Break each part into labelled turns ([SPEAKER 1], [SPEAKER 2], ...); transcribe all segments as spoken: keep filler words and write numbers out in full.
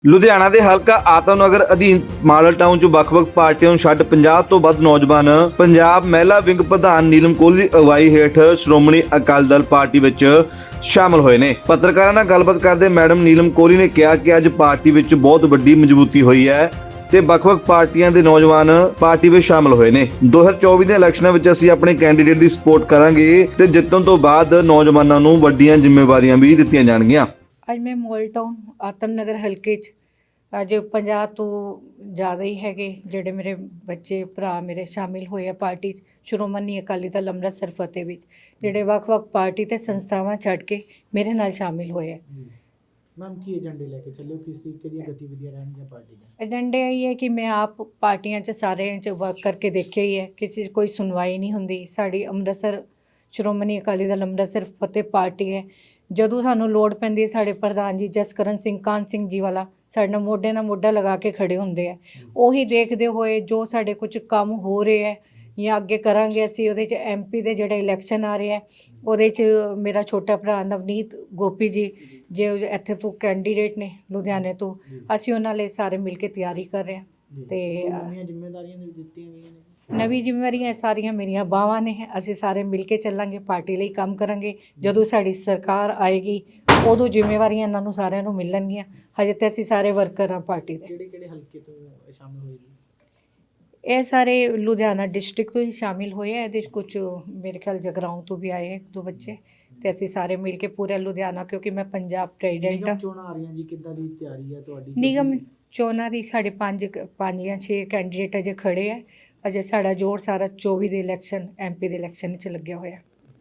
[SPEAKER 1] ਲੁਧਿਆਣਾ ਦੇ ਹਲਕਾ ਆਤਮਨਗਰ ਅਧੀਨ ਮਾਡਲ ਟਾਊਨ ਚ ਵੱਖ-ਵੱਖ ਪਾਰਟੀਆਂ ਨੂੰ ਛੱਡ ਪੰਜਾਹ ਤੋਂ ਵੱਧ ਨੌਜਵਾਨ ਪੰਜਾਬ ਮਹਿਲਾ ਵਿੰਗ ਪ੍ਰਧਾਨ ਨੀਲਮ ਕੋਹਲੀ ਦੀ ਅਗਵਾਈ ਹੇਠ ਸ਼੍ਰੋਮਣੀ ਅਕਾਲੀ ਦਲ ਪਾਰਟੀ ਵਿੱਚ ਸ਼ਾਮਲ ਹੋਏ ਨੇ। ਪੱਤਰਕਾਰਾਂ ਨਾਲ ਗੱਲਬਾਤ ਕਰਦੇ ਮੈਡਮ ਨੀਲਮ ਕੋਹਲੀ ਨੇ ਕਿਹਾ ਕਿ ਅੱਜ ਪਾਰਟੀ ਵਿੱਚ ਬਹੁਤ ਵੱਡੀ ਮਜ਼ਬੂਤੀ ਹੋਈ ਹੈ ਤੇ ਵੱਖ-ਵੱਖ ਪਾਰਟੀਆਂ ਦੇ ਨੌਜਵਾਨ ਪਾਰਟੀ ਵਿੱਚ ਸ਼ਾਮਲ ਹੋਏ ਨੇ। ਦੋ ਹਜ਼ਾਰ ਚੌਵੀ ਦੇ ਇਲੈਕਸ਼ਨਾਂ ਵਿੱਚ ਅਸੀਂ ਆਪਣੇ ਕੈਂਡੀਡੇਟ ਦੀ ਸਪੋਰਟ ਕਰਾਂਗੇ ਤੇ ਜਿੱਤਣ ਤੋਂ ਬਾਅਦ ਨੌਜਵਾਨਾਂ ਨੂੰ ਵੱਡੀਆਂ ਜ਼ਿੰਮੇਵਾਰੀਆਂ ਵੀ ਦਿੱਤੀਆਂ ਜਾਣਗੀਆਂ।
[SPEAKER 2] ਅੱਜ ਮੈਂ ਮੋਲ ਟਾਊਨ ਆਤਮਨਗਰ ਹਲਕੇ 'ਚ ਅੱਜ ਪੰਜਾਹ ਤੋਂ ਜ਼ਿਆਦਾ ਹੀ ਹੈਗੇ ਜਿਹੜੇ ਮੇਰੇ ਬੱਚੇ ਭਰਾ ਮੇਰੇ ਸ਼ਾਮਿਲ ਹੋਏ ਆ ਪਾਰਟੀ 'ਚ। ਸ਼੍ਰੋਮਣੀ ਅਕਾਲੀ ਦਲ ਅੰਮ੍ਰਿਤਸਰ ਫਤਿਹ ਵਿੱਚ ਜਿਹੜੇ ਵੱਖ-ਵੱਖ ਪਾਰਟੀ ਤੇ ਸੰਸਥਾਵਾਂ ਛੱਡ ਕੇ ਮੇਰੇ ਨਾਲ ਸ਼ਾਮਿਲ ਹੋਏ ਆ।
[SPEAKER 3] ਮੈਮ ਕੀ ਏਜੰਡੇ ਲੈ ਕੇ ਚੱਲੇ ਹੋ, ਕਿਸ ਤਰੀਕੇ ਦੀਆਂ ਗਤੀਵਿਧੀਆਂ ਰਹਿਣਗੀਆਂ ਪਾਰਟੀ ਦੀਆਂ?
[SPEAKER 2] ਏਜੰਡੇ ਇਹ ਹੈ ਕਿ ਮੈਂ ਆਪ ਪਾਰਟੀਆਂ 'ਚ ਸਾਰਿਆਂ 'ਚ ਵਰਕ ਕਰਕੇ ਦੇਖਿਆ ਹੀ ਹੈ, ਕਿਸੇ 'ਚ ਕੋਈ ਸੁਣਵਾਈ ਨਹੀਂ ਹੁੰਦੀ। ਸਾਡੀ ਅੰਮ੍ਰਿਤਸਰ ਸ਼੍ਰੋਮਣੀ ਅਕਾਲੀ ਦਲ ਅੰਮ੍ਰਿਤਸਰ ਫਤਿਹ ਪਾਰਟੀ ਹੈ। ਜਦੋਂ ਸਾਨੂੰ ਲੋੜ ਪੈਂਦੀ ਹੈ ਸਾਡੇ ਪ੍ਰਧਾਨ ਜੀ ਜਸਕਰਨ ਸਿੰਘ ਕਾਹਨ ਸਿੰਘ ਜੀ ਵਾਲਾ ਸਾਡੇ ਨਾਲ ਮੋਢੇ ਨਾਲ ਮੋਢਾ ਲਗਾ ਕੇ ਖੜੇ ਹੁੰਦੇ ਆ। ਉਹੀ ਦੇਖਦੇ ਹੋਏ ਜੋ ਸਾਡੇ ਕੁਝ ਕੰਮ ਹੋ ਰਹੇ ਹੈ ਜਾਂ ਅੱਗੇ ਕਰਾਂਗੇ ਅਸੀਂ ਉਹਦੇ 'ਚ ਐਮ ਪੀ ਦੇ ਜਿਹੜੇ ਇਲੈਕਸ਼ਨ ਆ ਰਹੇ ਹੈ ਉਹਦੇ 'ਚ ਮੇਰਾ ਛੋਟਾ ਭਰਾ ਨਵਨੀਤ ਗੋਪੀ ਜੀ ਜੇ ਇੱਥੇ ਤੋਂ ਕੈਂਡੀਡੇਟ ਨੇ ਲੁਧਿਆਣੇ ਤੋਂ, ਅਸੀਂ ਉਹਨਾਂ ਲਈ ਸਾਰੇ ਮਿਲ ਕੇ ਤਿਆਰੀ ਕਰ ਰਹੇ ਹਾਂ। ਤੇ
[SPEAKER 3] ਨਵੀਆਂ ਜ਼ਿੰਮੇਵਾਰੀਆਂ ਵੀ ਦਿੱਤੀਆਂ ਗਈਆਂ ਨੇ।
[SPEAKER 2] ਨਵੀਂ ਜ਼ਿੰਮੇਵਾਰੀਆਂ ਸਾਰੀਆਂ ਮੇਰੀਆਂ ਬਾਹਾਂ ਨੇ। ਅਸੀਂ ਸਾਰੇ ਮਿਲ ਕੇ ਚੱਲਾਂਗੇ, ਪਾਰਟੀ ਲਈ ਕੰਮ ਕਰਾਂਗੇ। ਜਦੋਂ ਸਾਡੀ ਸਰਕਾਰ ਆਏਗੀ ਉਦੋਂ ਜ਼ਿੰਮੇਵਾਰੀਆਂ ਇਹਨਾਂ ਨੂੰ ਸਾਰਿਆਂ ਨੂੰ ਮਿਲਣਗੀਆਂ। ਹਜੇ ਤਾਂ ਅਸੀਂ ਸਾਰੇ ਵਰਕਰ ਹਾਂ ਪਾਰਟੀ ਦੇ।
[SPEAKER 3] ਕਿਹੜੇ ਕਿਹੜੇ ਹਲਕੇ ਤੋਂ ਸ਼ਾਮਲ ਹੋਏ ਜੀ?
[SPEAKER 2] ਇਹ ਸਾਰੇ ਲੁਧਿਆਣਾ ਡਿਸਟ੍ਰਿਕਟ ਤੋਂ ਹੀ ਸ਼ਾਮਿਲ ਹੋਏ ਆ। ਇਹਦੇ 'ਚ ਕੁਝ ਮੇਰੇ ਖਿਆਲ ਜਗਰਾਓਂ ਤੋਂ ਵੀ ਆਏ ਇੱਕ ਦੋ ਬੱਚੇ ਤੇ ਅਸੀਂ ਸਾਰੇ ਮਿਲ ਕੇ ਪੂਰਾ ਲੁਧਿਆਣਾ, ਕਿਉਂਕਿ ਮੈਂ ਪੰਜਾਬ ਪ੍ਰੈਜ਼ੀਡੈਂਟ ਹਾਂ।
[SPEAKER 3] ਨਿਗਮ ਚੋਣਾਂ ਆ ਰਹੀਆਂ ਜੀ, ਕਿੱਦਾਂ ਦੀ ਤਿਆਰੀ ਹੈ ਤੁਹਾਡੀ?
[SPEAKER 2] ਨਿਗਮ ਚੋਣਾਂ ਦੀ ਸਾਡੇ ਪੰਜ ਪੰਜ ਜਾਂ ਛੇ ਕੈਂਡੀਡੇਟ ਅਜੇ ਖੜੇ ਆ। ਅਜੇ ਸਾਡਾ ਜੋਰ ਸਾਰਾ ਚੌਵੀ ਦੇ ਇਲੈਕਸ਼ਨ ਐਮ ਪੀ ਦੇ ਇਲੈਕਸ਼ਨ 'ਚ ਲੱਗਿਆ ਹੋਇਆ।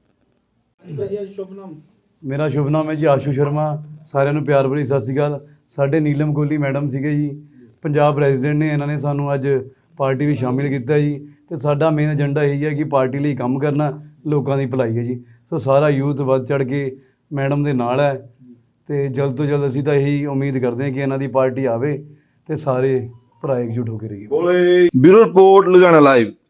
[SPEAKER 3] ਸ਼ੁਭ ਨਾਮ?
[SPEAKER 4] ਮੇਰਾ ਸ਼ੁਭ ਨਾਮ ਹੈ ਜੀ ਆਸ਼ੂ ਸ਼ਰਮਾ। ਸਾਰਿਆਂ ਨੂੰ ਪਿਆਰ ਭਰੀ ਸਤਿ ਸ਼੍ਰੀ ਅਕਾਲ। ਸਾਡੇ ਨੀਲਮ ਕੋਹਲੀ ਮੈਡਮ ਸੀਗੇ ਜੀ, ਪੰਜਾਬ ਪ੍ਰੈਜ਼ੀਡੈਂਟ ਨੇ। ਇਹਨਾਂ ਨੇ ਸਾਨੂੰ ਅੱਜ ਪਾਰਟੀ ਵਿੱਚ ਸ਼ਾਮਿਲ ਕੀਤਾ ਜੀ ਤੇ ਸਾਡਾ ਮੇਨ ਏਜੰਡਾ ਇਹੀ ਹੈ ਕਿ ਪਾਰਟੀ ਲਈ ਕੰਮ ਕਰਨਾ, ਲੋਕਾਂ ਦੀ ਭਲਾਈ ਹੈ ਜੀ। ਸੋ ਸਾਰਾ ਯੂਥ ਵੱਧ ਚੜ੍ਹ ਕੇ ਮੈਡਮ ਦੇ ਨਾਲ ਹੈ ਤੇ ਜਲਦ ਤੋਂ ਜਲਦ ਅਸੀਂ ਤਾਂ ਇਹੀ ਉਮੀਦ ਕਰਦੇ ਹਾਂ ਕਿ ਇਹਨਾਂ ਦੀ ਪਾਰਟੀ ਆਵੇ ਤੇ ਸਾਰੇ ਭਰਾ ਇਕਜੁੱਟ ਹੋ ਕੇ ਰਹੀਏ।
[SPEAKER 1] Bureau report Ludhiana live.